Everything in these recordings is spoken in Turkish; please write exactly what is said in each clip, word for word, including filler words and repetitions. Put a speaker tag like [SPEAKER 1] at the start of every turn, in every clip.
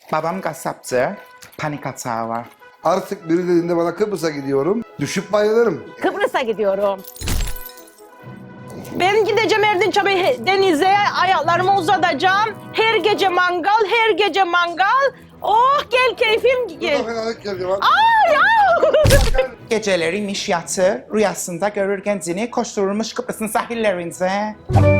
[SPEAKER 1] Babam kasaptı. Panik atağı var.
[SPEAKER 2] Artık biri dediğinde bana Kıbrıs'a gidiyorum. Düşüp bayılırım.
[SPEAKER 3] Kıbrıs'a gidiyorum. Ben gideceğim Erdinç abi denize, ayaklarımı uzatacağım. Her gece mangal, her gece mangal. Oh gel keyfim gel.
[SPEAKER 2] Burada fenalık geldi lan.
[SPEAKER 3] Ay ay.
[SPEAKER 1] Geceleri miş yatır, rüyasında görür kendini koşturulmuş Kıbrıs'ın sahillerinde.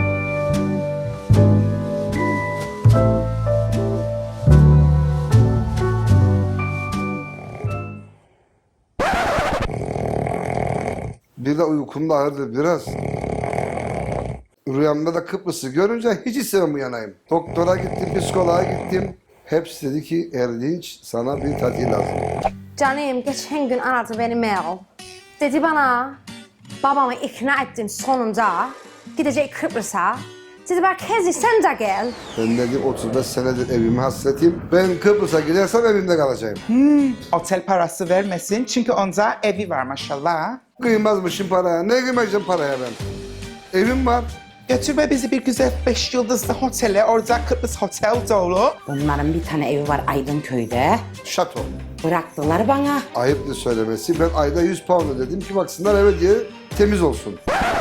[SPEAKER 2] Bir de uykum da ağırdı biraz. Rüyamda da Kıbrıs'ı görünce hiç istemem uyanayım. Doktora gittim, psikoloğa gittim. Hepsi dedi ki Erdinç sana bir tatil lazım.
[SPEAKER 4] Canım geçen gün aradı beni Mel. Dedi bana babamı ikna ettin sonunda. Gidecek Kıbrıs'a. Dedi bak Kezi sen de gel.
[SPEAKER 2] Ben dedim otuz beş senedir evime hasretim. Ben Kıbrıs'a gidersem evimde kalacağım.
[SPEAKER 1] Otel parası vermesin çünkü onda evi var maşallah.
[SPEAKER 2] Kıymazmışım paraya. Ne kıymayacağım paraya ben? Evim var.
[SPEAKER 1] Götürme bizi bir güzel beş yıldızlı otele, orada Kıbrıs Hotel dolu.
[SPEAKER 5] Onların bir tane evi var Aydınköy'de.
[SPEAKER 2] Şato.
[SPEAKER 5] Bıraktılar bana.
[SPEAKER 2] Ayıptır söylemesi. Ben ayda yüz pound ödedim ki baksınlar eve diye temiz olsun.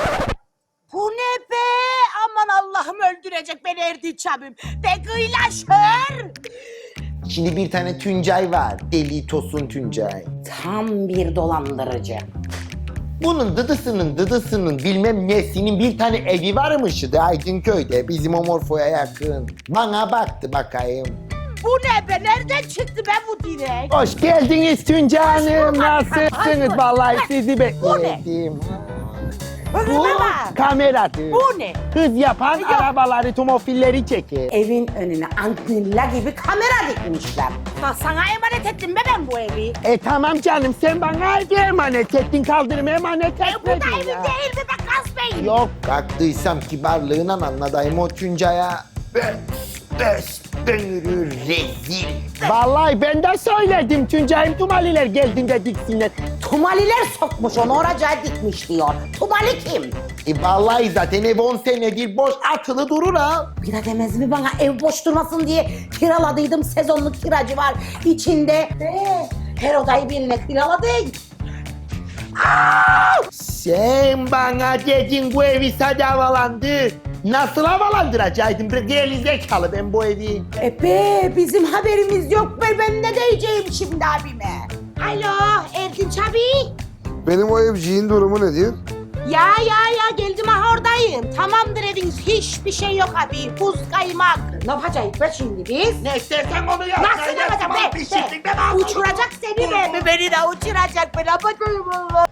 [SPEAKER 6] Bu ne be? Aman Allah'ım öldürecek beni Erdinç abim. De kıylaşır.
[SPEAKER 7] Şimdi bir tane Tuncay var. Deli Tosun Tuncay.
[SPEAKER 5] Tam bir dolandırıcı.
[SPEAKER 7] Bunun dıdısının dıdısının bilmem nesinin bir tane evi varmış da Aydınköy'de bizim o Morfo'ya yakın. Bana baktı bakayım.
[SPEAKER 6] Bu ne be? Nereden çıktı be bu direk?
[SPEAKER 7] Hoş geldiniz Tuncay Hanım. Nasılsınız?
[SPEAKER 6] Hoş
[SPEAKER 7] Vallahi
[SPEAKER 6] bulduk.
[SPEAKER 7] sizi
[SPEAKER 6] Bu ne?
[SPEAKER 7] bekledim.
[SPEAKER 6] Bu bak.
[SPEAKER 7] Kameradır.
[SPEAKER 6] Bu ne?
[SPEAKER 7] Hız yapan arabaları, tomofilleri çeker.
[SPEAKER 5] Evin önüne antilla gibi kamera dikmişler.
[SPEAKER 6] Bak sana emanet ettim be ben bu evi.
[SPEAKER 7] E tamam canım sen bana evi emanet ettin, kaldırıma emanet
[SPEAKER 6] E, bu da
[SPEAKER 7] etmedin
[SPEAKER 6] evin
[SPEAKER 7] ya.
[SPEAKER 6] değil mi be Kasbey?
[SPEAKER 7] Yok. Kalktıysam kibarlığına anladayım o Tuncay'a. Ben, bes, bönürü rezil. Vallahi ben de söyledim Tuncay'ım Tumaliler geldiğinde diksinler.
[SPEAKER 5] Tumaliler sokmuş onu oracağı dikmiş diyor. Tumali kim?
[SPEAKER 7] E vallahi zaten ev on senedir boş atılı durur ha.
[SPEAKER 5] Bir de demez mi bana ev boş durmasın diye kiraladıydım, sezonluk kiracı var içinde. De, her odayı birine kiraladık.
[SPEAKER 7] Sen bana dedin bu evi sadece havalandır. Nasıl havalandıracaktın? Bir gerizekalı ben bu evi.
[SPEAKER 5] E be bizim haberimiz yok be ben ne diyeceğim şimdi abime?
[SPEAKER 6] Alo Erdinç abi.
[SPEAKER 2] Benim o evciğin durumu nedir?
[SPEAKER 6] Ya ya ya geldim ha oradayım. Tamamdır eviniz hiçbir şey yok abi. Buz kaymak.
[SPEAKER 5] Ne yapacağız be şimdi biz?
[SPEAKER 7] Ne istersen onu yap.
[SPEAKER 6] Nasıl yapacağım be? be? Uçuracak seni be. Beni de uçuracak. Ben yapacağım Allah.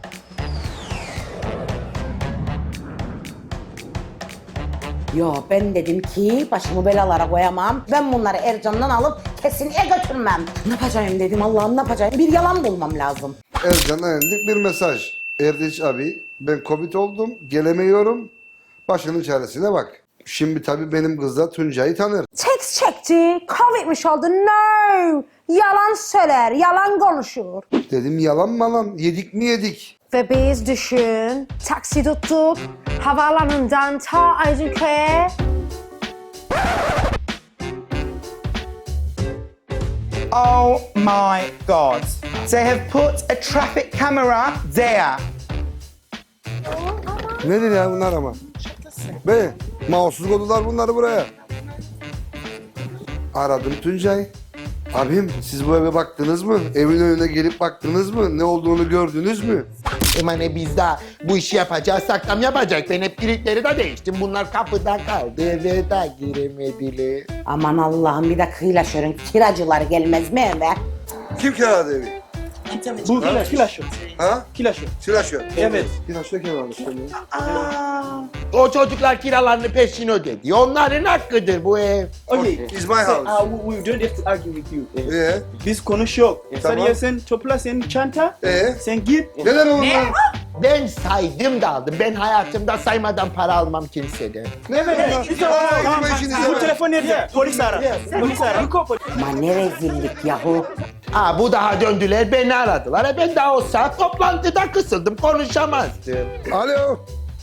[SPEAKER 5] Yo ben dedim ki başımı belalara koyamam. Ben bunları Ercan'dan alıp kesinlikle götürmem. Ne yapacağım dedim Allah'ım ne yapacağım? Bir yalan bulmam lazım.
[SPEAKER 2] Ercan'a yendik bir mesaj. Erdinç abi ben Covid oldum, gelemiyorum. Başının çaresine bak. Şimdi tabii benim kız da Tuncay'ı tanır.
[SPEAKER 4] Text çekti, Covid'miş oldu. No! Yalan söyler, yalan konuşur.
[SPEAKER 2] Dedim yalan malan, yedik mi yedik?
[SPEAKER 4] Ve biz düşün, taksi tuttuk, havaalanından ta Aydınköy'e.
[SPEAKER 1] Oh my God. They have put a traffic camera there.
[SPEAKER 2] Nedir ya bunlar ama? Be, mahsus kodular bunları buraya. Aradım Tuncay. Abim siz bu eve baktınız mı? Evin önüne gelip baktınız mı? Ne olduğunu gördünüz mü?
[SPEAKER 7] Emane biz de bu işi yapacağız, saklam yapacak. Ben hep kilitleri de değiştim. Bunlar kapıda kaldı, eve de giremediler.
[SPEAKER 5] Aman Allah'ım bir de kıyılaşırın kiracılar gelmez mi eve?
[SPEAKER 2] Kim kiraladı evi?
[SPEAKER 8] Bu kila, kilaşo.
[SPEAKER 2] Ha?
[SPEAKER 8] Kilaşo.
[SPEAKER 2] Silaşö.
[SPEAKER 8] Evet.
[SPEAKER 2] Silaşö kim almış seni?
[SPEAKER 7] O çocuklar kiralarını peşin ödedi. Onların hakkıdır bu ev.
[SPEAKER 8] Okay.
[SPEAKER 2] It's my
[SPEAKER 8] So,
[SPEAKER 2] house.
[SPEAKER 8] uh, we, we don't have to argue with you. Eh,
[SPEAKER 2] Ee?
[SPEAKER 8] Biz konuşuyor.
[SPEAKER 2] Tamam.
[SPEAKER 8] Sen yersen topla senin çanta.
[SPEAKER 2] Ee?
[SPEAKER 8] Sen git.
[SPEAKER 2] Neden oğlum lan?
[SPEAKER 7] Ben saydım da aldım. Ben hayatımda saymadan para almam kimseden.
[SPEAKER 2] Ne verin lan? Aa,
[SPEAKER 8] Tamam,
[SPEAKER 2] gitme işinize
[SPEAKER 8] bu
[SPEAKER 2] be.
[SPEAKER 8] telefon nerede? Polis ara. Polis ara. You call police.
[SPEAKER 5] Ama ne rezillik yahu.
[SPEAKER 7] Aa bu daha döndüler beni aradılar. E ben daha o saat toplantıda kısıldım konuşamazdım.
[SPEAKER 2] Alo.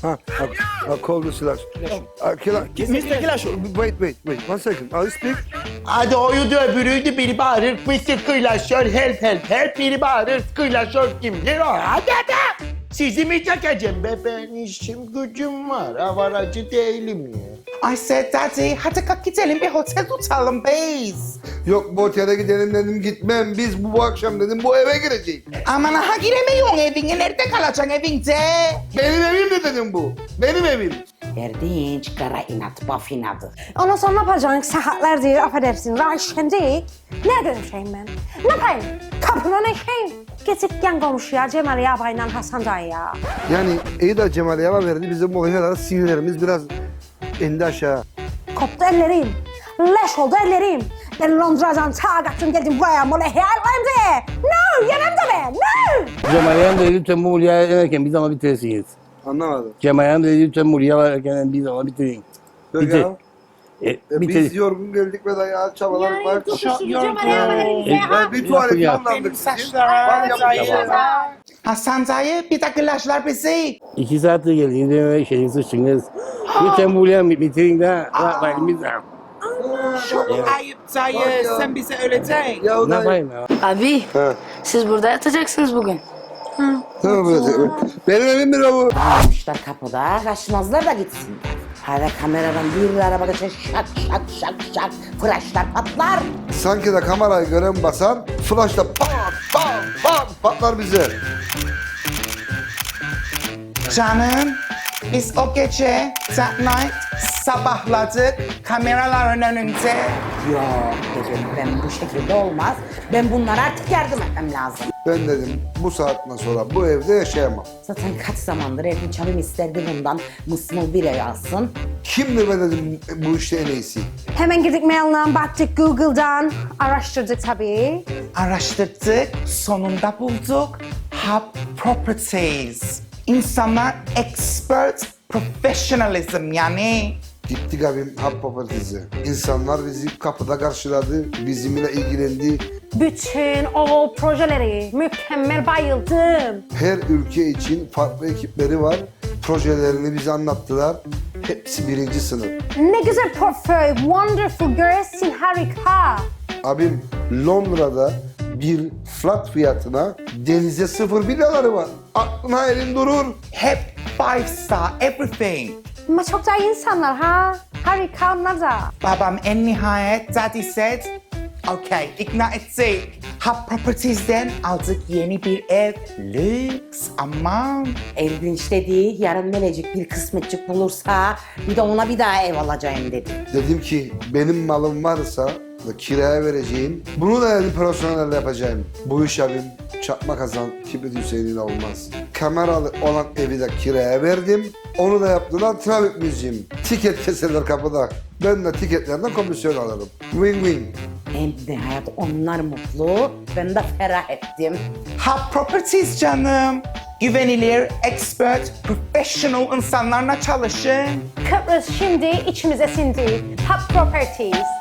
[SPEAKER 2] Ha, I, I call the slash. Uh, can I,
[SPEAKER 8] mister Kilaş.
[SPEAKER 2] wait, wait, wait. One second. I'll speak.
[SPEAKER 7] Hadi oydu öbürüydü biri bağırır. mister Kıylaşör help help help biri bağırır. Kıylaşör kimdir o? Hadi hadi. Sizi mi çekeceğim be? Ben işim gücüm var. Avaracı değilim ya.
[SPEAKER 1] I said, Daddy, hadi kalk gidelim bir otel tutalım biz.
[SPEAKER 2] Yok bu otele gidelim dedim gitmem. Biz bu, bu akşam dedim bu eve gireceğiz.
[SPEAKER 1] Aman ha giremiyorsun evine. Nerede kalacaksın evinde?
[SPEAKER 2] Benim evim de dedim bu. Benim evim.
[SPEAKER 5] Erdinç, kara inat, baf inadı.
[SPEAKER 4] Ondan sonra ne yapacaksın? Saatlerdir affedersin. Raşkendik. Nerede yaşayayım ben? Ne yapayım? Kapına ne şeyim? Gidip yan komşuya Cemal Yaba'yla Hasan Dayı'ya.
[SPEAKER 2] Yani iyi de Cemal Yava verdi. Bizim o kadar sinirlerimiz biraz indi aşağı.
[SPEAKER 4] Koptu ellerim. Leş oldu ellerim. Ben Londra'dan ta kalktım geldim buraya. Mola hayallerim de. No, yenem de be. No.
[SPEAKER 9] Cemal'e de lütfen bu Murya'ya yenerken bir zaman bitirsiniz.
[SPEAKER 2] Anlamadım.
[SPEAKER 9] Cemal'e de lütfen Murya'ya yenerken bir zaman bitirin.
[SPEAKER 2] Yok
[SPEAKER 9] Bitir.
[SPEAKER 2] ya.
[SPEAKER 9] E,
[SPEAKER 2] E,
[SPEAKER 9] bitir.
[SPEAKER 2] biz yorgun geldik ve dayağı çabaladık. Bak.
[SPEAKER 4] Cemal Yaba'yı
[SPEAKER 2] Ben bir tuvalet
[SPEAKER 9] Ya.
[SPEAKER 2] kullandık.
[SPEAKER 1] saçlarım,
[SPEAKER 2] Vallahi
[SPEAKER 9] dayı.
[SPEAKER 1] Hasan dayı bir de kılaçlar bizi.
[SPEAKER 9] İki saattir geldiğinde ve şeyin sıçtınız. Lütfen Murya'ya bitirin de vaktimiz var.
[SPEAKER 1] Çok ayıp dayı. Sen bize öyle de.
[SPEAKER 2] Ya o
[SPEAKER 9] Ne
[SPEAKER 2] da...
[SPEAKER 9] yapayım ya?
[SPEAKER 10] Abi
[SPEAKER 2] Ha.
[SPEAKER 10] siz burada yatacaksınız bugün.
[SPEAKER 2] Tamam böyle. Benim evim mi bu?
[SPEAKER 5] Almışlar kapıda, kaçmazlar da gitsin. Hala kameradan bir araba geçer, şak şak şak şak, flaşlar patlar.
[SPEAKER 2] Sanki de kamerayı gören basar, flashla pat pat pat patlar bize.
[SPEAKER 1] Canım, biz o gece, that night, sabahladık kameraların önünde.
[SPEAKER 5] Yok dedim, ben bu şekilde olmaz. Ben bunlara artık yardım etmem lazım.
[SPEAKER 2] Ben dedim bu saatten sonra bu evde yaşayamam.
[SPEAKER 5] Zaten kaç zamandır Erdinç abim isterdi bundan mısmıl bir ay alsın.
[SPEAKER 2] Kimdir ben dedim bu işte en iyisi.
[SPEAKER 4] Hemen girdik mailden, baktık Google'dan. Araştırdık tabii.
[SPEAKER 1] Araştırdık, sonunda bulduk. Hub Properties. İnsanlar expert professionalism yani.
[SPEAKER 2] Gittik abim Hub Properties'e. İnsanlar bizi kapıda karşıladı, bizimle ilgilendi.
[SPEAKER 4] Bütün o projeleri mükemmel bayıldım.
[SPEAKER 2] Her ülke için farklı ekipleri var. Projelerini bize anlattılar. Hepsi birinci sınıf.
[SPEAKER 4] Ne güzel portföy, wonderful görsün, harika.
[SPEAKER 2] Abim Londra'da bir flat fiyatına denize sıfır villaları var. Aklına elin durur.
[SPEAKER 1] Hep five star everything.
[SPEAKER 4] Ama çok da iyi insanlar ha. Harika onlar da.
[SPEAKER 1] Babam en nihayet daddy said, okay, ikna ettik. Hub Properties'den aldık yeni bir ev. Lüks, aman.
[SPEAKER 5] Erdinç dedi, yarın Melecik bir kısmetçik bulursa bir de ona bir daha ev alacağım dedi.
[SPEAKER 2] Dedim ki benim malım varsa da kiraya vereceğim. Bunu da elim personelle yapacağım. Bu iş abim çakma kazan Kibrit Hüseyin'in olmaz. Kameralı olan evi de kiraya verdim. Onu da yaptılar trafik müziğim. Tiket keserler kapıda. Ben de tiketlerden komisyon alırım. Win win.
[SPEAKER 5] En nihayet onlar mutlu, ben de ferah ettim.
[SPEAKER 1] Hub Properties canım. Güvenilir, expert, professional insanlarla çalışın.
[SPEAKER 4] Kıbrıs şimdi içimize sindi. Hub Properties.